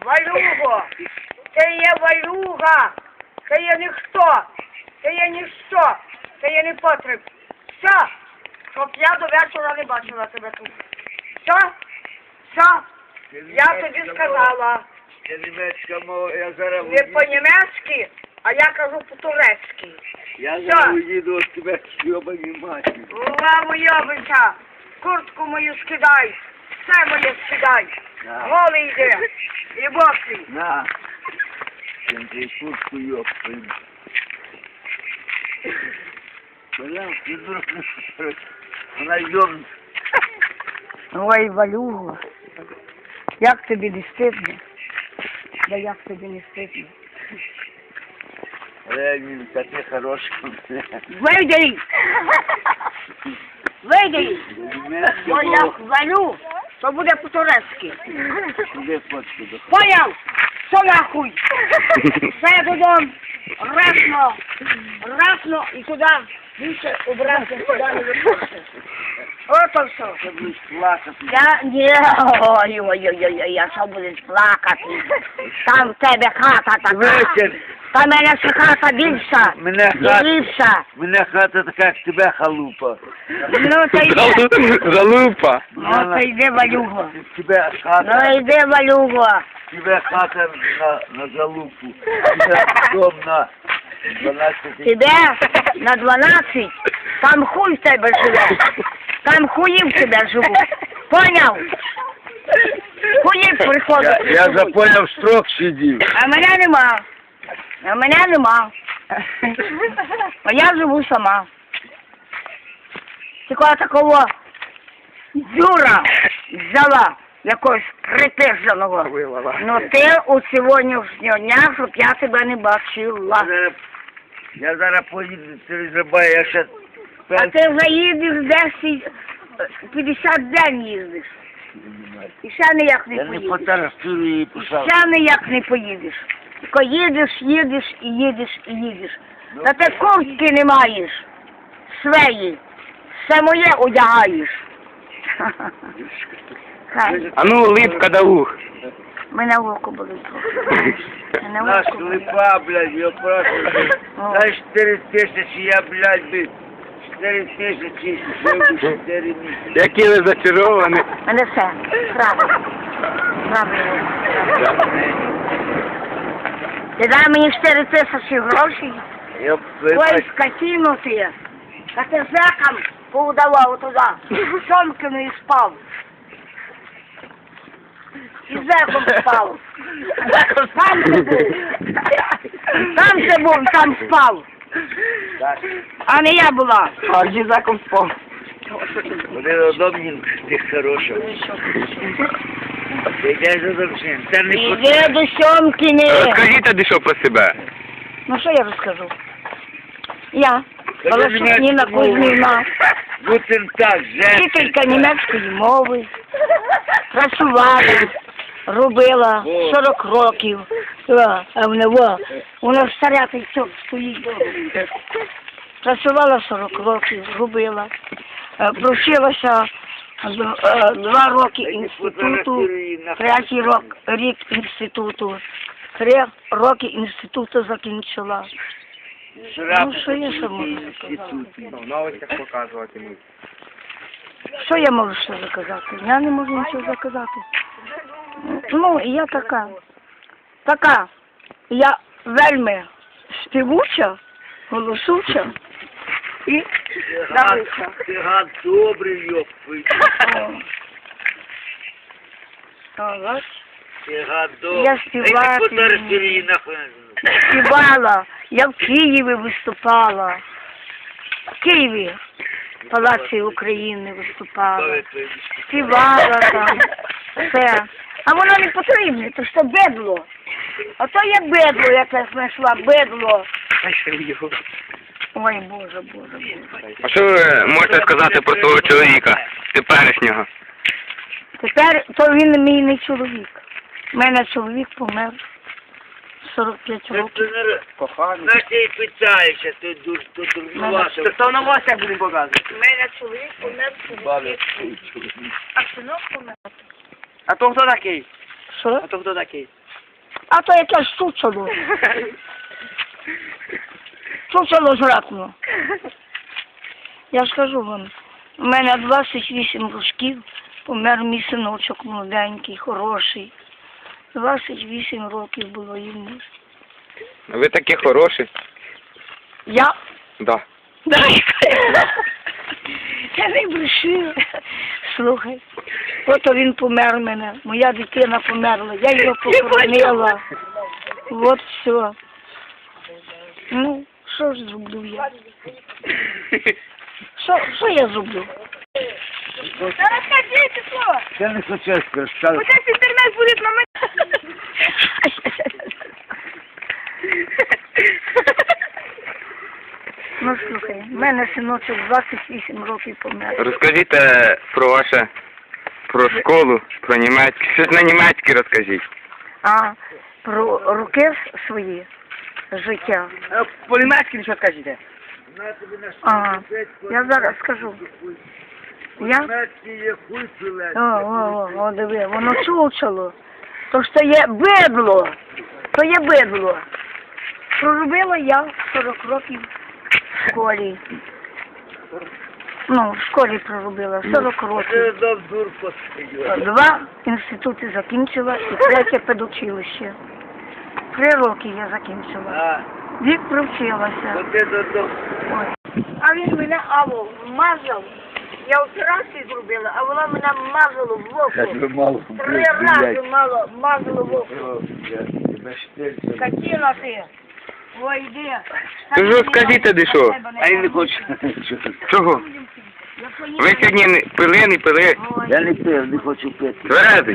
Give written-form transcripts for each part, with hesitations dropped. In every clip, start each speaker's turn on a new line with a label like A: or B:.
A: Валюго, ти є Валюга, ти є ніхто, ти є ніщо, ти є непотріб. Все, щоб я до вечора не бачила тебе тут. Все, я тобі сказала.
B: Це німецька мова, я зараз
A: Не по-німецьки, а я кажу по-турецьки.
B: Я зараз уїду від тебе йобані матері.
A: Мамо, йобанця, куртку мою скидай, все моє скидай. Голий йде, і босий.
B: На. Ти куртку йобані. Ти дурак, вона йобна.
A: Ой, Валюга, як тобі не стидно? Да як тобі не стидно?
B: Ленін, такий хороший.
A: Вийди! Вийди! Бо я валю, то буде по-турецьки.
B: Де фотку до
A: Поняв? Що нахуй? Все додому, расно і туди більше обратно туди не виходить. Ото все.
B: Ти будеш плакати.
A: Я що будеш плакати? Там в тебе хата така.
B: Вечір.
A: Та мене ще хата більша. І ліпша.
B: Мене хата така, як тебе халупа.
A: Ну, то йди.
C: Залупа.
A: Ну, то йди, Валюго.
B: Тебе хата.
A: Ну, йди, Валюго.
B: Тебе хата на залупу. Тебе дом на 12.
A: Тебе на 12, там хуй в тебе живе. Там хуї в тебе живуть. Поняв? Хуї приходять.
B: Я запоняв, строк сидів.
A: А мене нема. А мене нема. А я живу сама. Тільки такого дюра взяла, якогось припиженого. Ну ти у сьогоднішнього дня, щоб я тебе не бачила.
B: Я зараз поїду через Рибай, я ще...
A: А ти вже їдеш десь 50 день їздиш. І ще ніяк не
B: Я не
A: поїдеш.
B: фотографую її, писав.
A: Ще ніяк не поїдеш. Тільки їдеш і їдеш. Та ти куртки не маєш. Свої. Все моє одягаєш. Хай.
C: А ну, липка да ух.
A: Мене в око болить трохи. Мене в
B: Наш
A: око болить.
B: липа, блядь, я просто... Дай 4 тисячі, я, блядь, би... 4 тисячі, 4 місяці.
C: Які ви зачаровані.
A: Мене все. Правильно. Ти дай мені 4 тисячі грошей.
B: Я
A: Ой, скотину ти. Та ти зекам поудавав туди. Сомкину спав. І зеком спав. Там ти був. Там спав. А не я була.
C: А дізаком спав.
B: Вони удобні, ти хороша. Ти йдеш за довжин, це не
A: Іди до Сьомкини.
C: Розкажіть тоді що про себе.
A: Ну що я розкажу? Я, Волошиніна Кузьміна,
B: Гутен так,
A: вчителька німецької мови, працювала, робила 40 років. А вона старя та й стоїть. Працювала 40 років, робила. Провчилася 2 роки інституту, 3-й рік інституту, 3 роки інституту закінчила. Ну, що я ще можу сказати?
C: В новостях показувати мені.
A: Що я можу ще заказати? Я не можу нічого заказати. Ну, і я така. Я вельми співуча, голосуча і давиця.
B: Ти гад добрий, йопи. Ти гад добрий.
A: Я співати.
B: Ей, ти фотографіруй її нахуй.
A: Співала, я в Києві виступала. В Києві, в Палаці України виступала. Співала там, все. А воно не потрібне, то що бедло. А то є бедло, яке знайшла, бедло. Ой, Боже.
C: А що ви можете сказати про свого чоловіка, теперішнього?
A: Тепер, то він мій не чоловік. У мене чоловік помер 45 років.
C: Коханий.
B: На ти питаєшся, ти дурнувато.
C: Це сам на вас як будемо показувати.
A: У мене чоловік помер 45 років. А синок помер.
C: А то хто такий?
A: Що?
C: А то хто такий?
A: А то якесь чучело. Чучело жратно. Я ж кажу вам, у мене 28 років, помер мій синочок молоденький, хороший. 28 років було йому.
C: Ви такі хороші.
A: Я?
C: Да.
A: Я не брешу. Слухай, ото він помер мене, моя дитина померла, я його похоронила. От все. Ну, що ж зроблю я? Що я зроблю?
D: Розкажіть слово.
B: Я не хочу розказати.
D: Зараз інтернет буде на мене.
A: Ну, слухай, в мене синочок 28 років помер.
C: Розкажіть про школу, про німецьке. Щось на німецьке розкажіть.
A: А про роки свої життя.
D: По-німецьки нічого скажіть.
A: Ага, я зараз скажу. Я? О, диви, воно чучело. То ж це є бидло. То є бидло. Проробила я 40 років в школі. Ну, в школі проробила 40 років. 2 інститути закінчила і 3 педучилище. 3 роки я закінчила. Вік привчилася. Ой. А він мене вмазав. Я операцію зробила, а вона мене мазала в око. 3 рази мазала в око. Скотина ти. Ой, йди.
C: Ти ж розкажіть тоді що?
B: А я не хочу.
C: Чого? Ви сьогодні не пили.
B: Я не пив, не хочу пити.
C: Тверезий.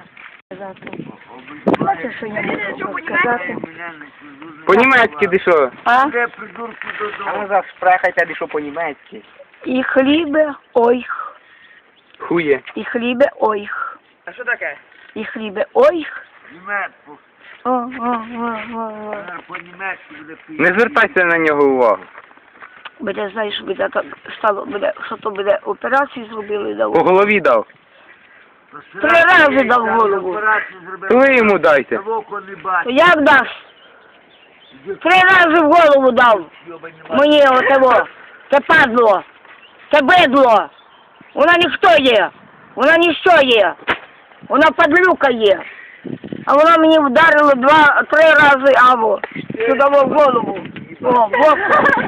A: Бачиш, що я можу сказати?
C: По-німецьки ти що?
A: А?
D: А ви зараз спрахайте, де що по-німецьки.
A: І хлібе ойх.
C: Хує.
A: І хлібе ойх.
D: А що таке?
A: І хлібе ойх.
B: Німецьку.
A: О.
B: По-німецьку буде пити.
C: Не звертайся на нього увагу.
A: Буде, знаєш, буде так стало, буде, що то буде операцію зробили, дав.
C: По голові дав.
A: 3 рази дав голову.
C: То ви йому дайте.
A: То як дасть? 3 рази в голову дав. Мені отого. Це падло. Це бидло. Вона ніхто є. Вона ніщо є. Вона падлюка є. А вона мені вдарила 2-3 рази або сюди в голову. О, в око.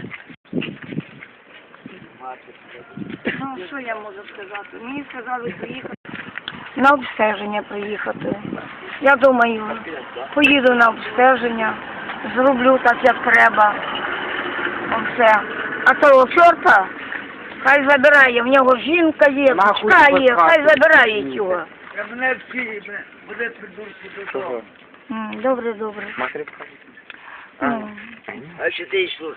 A: Ну, що я можу сказати? Мені сказали приїхати. На обстеження приїхати. Я думаю, поїду на обстеження, зроблю так, як треба. Оце. А того чорта, хай забирає, в нього жінка є, дочка є, хай забирає його.
B: Мене всі, буде придурку до того.
A: Добре.
B: А що ти йшло?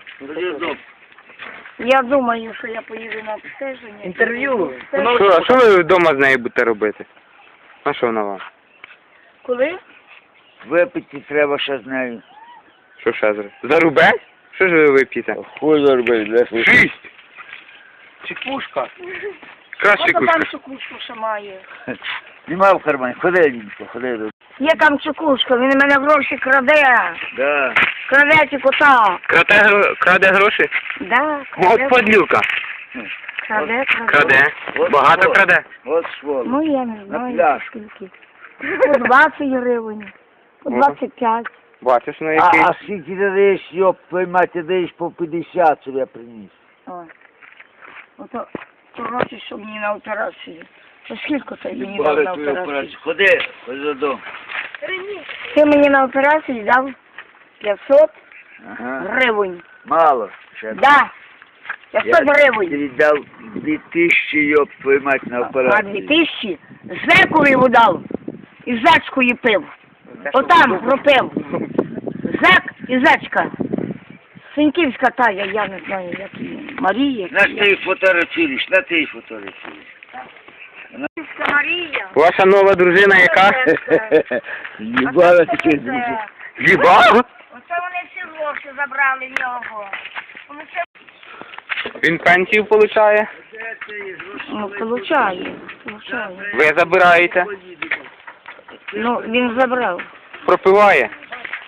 A: Я думаю, що я поїду на обстеження.
D: Інтерв'ю.
C: А що ви вдома з нею будете робити? А що вона вам?
A: Коли?
B: Випити треба ще з нею.
C: Що ще зробити? Зарубець? Що ж ви вип'єте?
B: Хуй заробити,
C: 6!
D: Чекушка.
C: Краще
A: Ото
C: кушка.
A: там чекушку ще має.
B: Нема в кармані, ходи, Лінко, ходи.
A: Є там чекушка, він у мене гроші краде.
B: Да.
A: Краде ті кота.
C: Краде гроші?
A: Да,
C: От
A: краде.
C: подлюка.
A: Краде.
C: Краде. Багато краде.
B: От своло.
A: Ну, я не
B: На
A: знаю,
B: пляж.
A: скільки. По 20 гривень, по 25.
C: Бачиш, ну який?
B: А скільки ти даєш, йоп, твою мать, ти даєш по 50, щоб я приніс.
A: О. Ото гроші, щоб мені на операцію. То скільки ти мені дав на операцію?
B: Ходи додому.
A: Ти мені на операцію дав 500
B: Ага.
A: гривень.
B: Мало. Ще.
A: Да. 500
B: Я
A: гривень.
B: тобі дав 2000, йоп, твою мать, на
A: А
B: операцію.
A: 2000 зекові дав. І зачкою пив. Отам пропив. Зек і зачка. Синьківська тая, я не знаю, як її. Марія.
B: На ти їх фотографуєш, на ти їх фотографуєш.
A: Синьківська Марія.
C: Ваша нова дружина яка?
B: Їбала таке дуже.
C: Їбав?
A: Оце вони всі гроші забрали в нього. Вони все...
C: Він пенсію получає?
A: Ну, получає.
C: Ви забираєте?
A: Ну, він забрав.
C: Пропиває?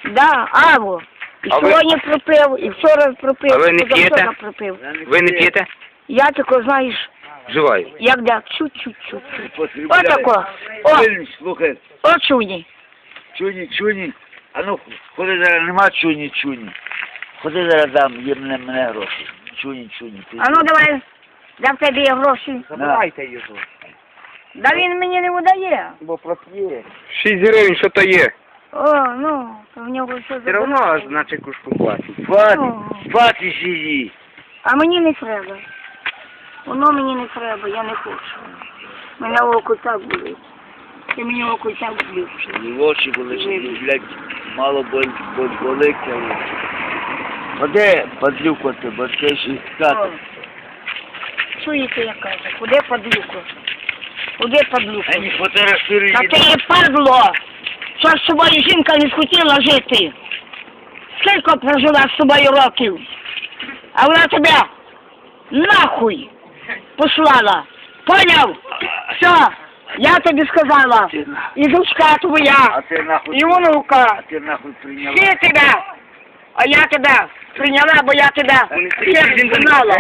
A: Да, алло. І
C: А ви-
A: сьогодні пропив, і вчора пропив,
C: А ви не
A: і позавчора
C: п'єте?
A: пропив.
C: Ви не п'єте?
A: Я тако, знаєш,
C: Вживаю.
A: як да, чуть-чуть.
B: Потрібляє.
A: Отако. О,
B: Вильнюс, слухай,
A: о, чуні.
B: чуні. А ну, ходи зараз, нема чуні. Ходи зараз дам, є мене гроші. Чуні.
A: А ну давай, де в тебе є гроші.
D: Забирайте його.
A: Да він мені не видає.
D: Бо проп'є.
C: 6 гривень, що то є?
A: О, ну, то в нього все
D: Все одно,
A: забирає.
D: значить, кушку платить.
B: Фати сиди.
A: А мені не треба. Воно мені не треба, я не хочу. Мене око так болить. Ти мені око так болить.
B: І очі були, блядь, мало болить. Ходи, подлюко ти, бо це ще
A: О,
B: скати.
A: чуєте, я кажу, куди падлюку? Куди падлюку?
B: А не фотографируй.
A: Та ти є падло! Що ж з собою жінка не схотіла жити? Скільки прожила з собою років? А вона тебе нахуй послала. Поняв? Все, я тобі сказала. І дочка твоя,
B: А ти нахуй,
A: і онука.
B: прийняла.
A: Всі тебе. А я тебе прийняла, бо я тебе всіх знала.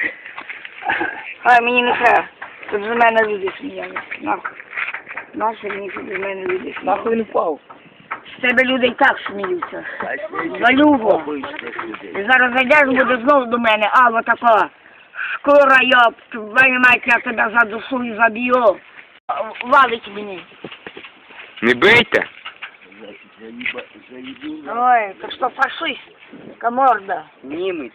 A: Ай, мені не треба. Тут з мене люди сміялися. Нахуй. Наші мені тут з мене люди сміялися.
D: Нахуй він впав.
A: З тебе люди і так сміються. Валюго. І зараз зайдеш, буде знову до мене, а вот тако. Шкура, йоп, твою мать, я тебе за душу і заб'ю. Валить мені.
C: Не бийте.
A: Ой, ти що фашист? Каморда.
D: Німець.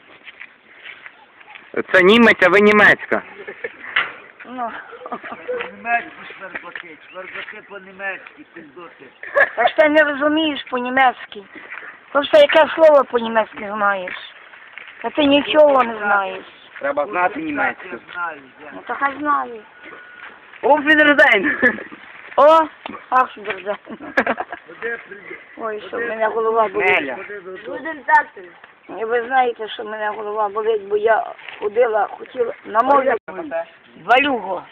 C: Це німець, а ви німецька.
A: Ну.
B: Німецькі шварбаки по-німецьки, пиздоти.
A: Та ж ти не розумієш по-німецьки. Просто яке слово по-німецьки знаєш. Та ти нічого не знаєш.
D: Треба знати німецьку.
A: Ну то хай знаю.
D: Офідердайн.
A: О, ах, держа. Ой, що в мене голова болить.
D: Неля.
A: І ви знаєте, що в мене голова болить, бо я ходила, хотіла на море. Валюго.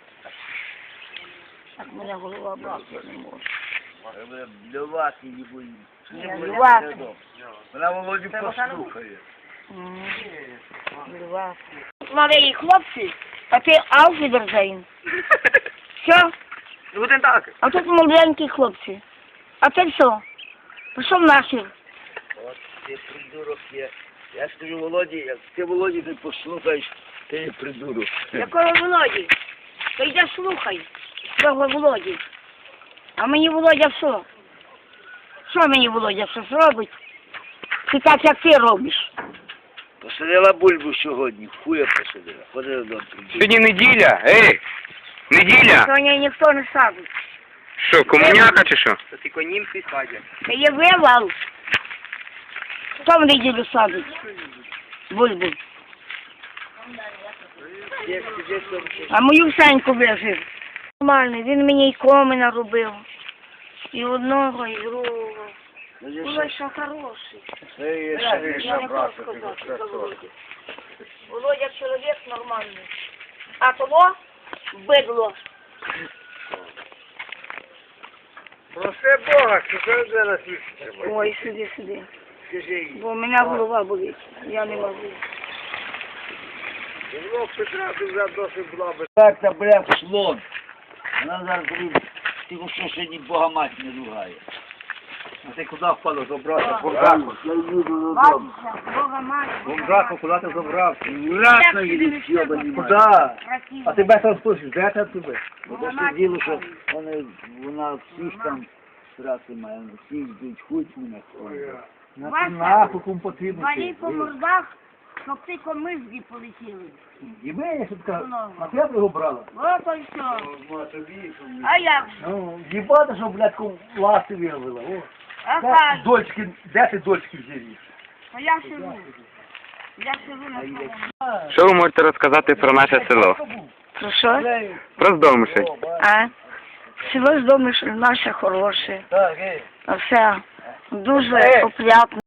A: Так мене голова болить, я не можу.
B: Блювати не боїться.
A: Не блювати.
B: Вона Володю послухає.
A: Блювати. Малий хлопці, а ти Ауфідерзейн. Все?
D: Гутен так.
A: А тут маленькі хлопці. А ти що? Пішов нахер.
B: От ти придурок є. Я ж кажу, Володі, як ти Володі не послухаєш, ти є придурок.
A: Якого Володі? Ти йдеш слухай. Цього Володі. А мені Володя що? Що мені Володя щось робить? Ти так, як ти робиш.
B: Посадила бульбу сьогодні, хуя посадила. Ходи додому.
C: Сьогодні неділя, ей! Неділя!
A: Сьогодні ніхто не садить.
C: Що, комуняка чи що?
D: Це тільки німці садять.
A: Це є вивал. Хто в неділю садить? Бульбу. А мою Саньку вижив. Нормально, він мені і комина робив. І одного, і другого. Було що хороший.
B: Це є
A: Я
B: Шариша,
A: не
B: брат.
A: можу сказати за Володю. Володя чоловік нормальний. А того бидло.
B: Проси Бога, що це зараз вистачить.
A: Ой, сиди.
B: Скажи їй.
A: Бо у мене голова болить. Я не можу.
B: Петра вже досить була би. Так, та бляха слон. Вона зараз буде, тільки що сьогодні Бога мать не ругає.
D: А ти куди впало забрався?
B: Бомжаку. Я їду додому.
A: Бабуся, Бога мать.
D: Бомжаку, куди ти забрався?
B: Вратно їду, йобані
D: Куди? А тебе там слухаєш, де ти туди?
B: Бо то що діло, що вона всіх там страти має, всіх йдуть, хуй мене.
D: Нахуй кому потрібно.
A: Валі по мордах, щоб ти комизги полетіли.
D: І ми, що така, а ти його брала?
A: Ото й все. А як же?
D: Ну, їбати, що, блядь, ласти виявила. О.
A: А
D: Де
A: так,
D: дочки, де ти дочки взяли?
A: а я сижу. Я сижу на своєму.
C: Що ви можете розказати про наше село?
A: Про що?
C: Про Здомишель.
A: А? Село з дому наше хороше.
B: Так, ей.
A: Все дуже опрятно.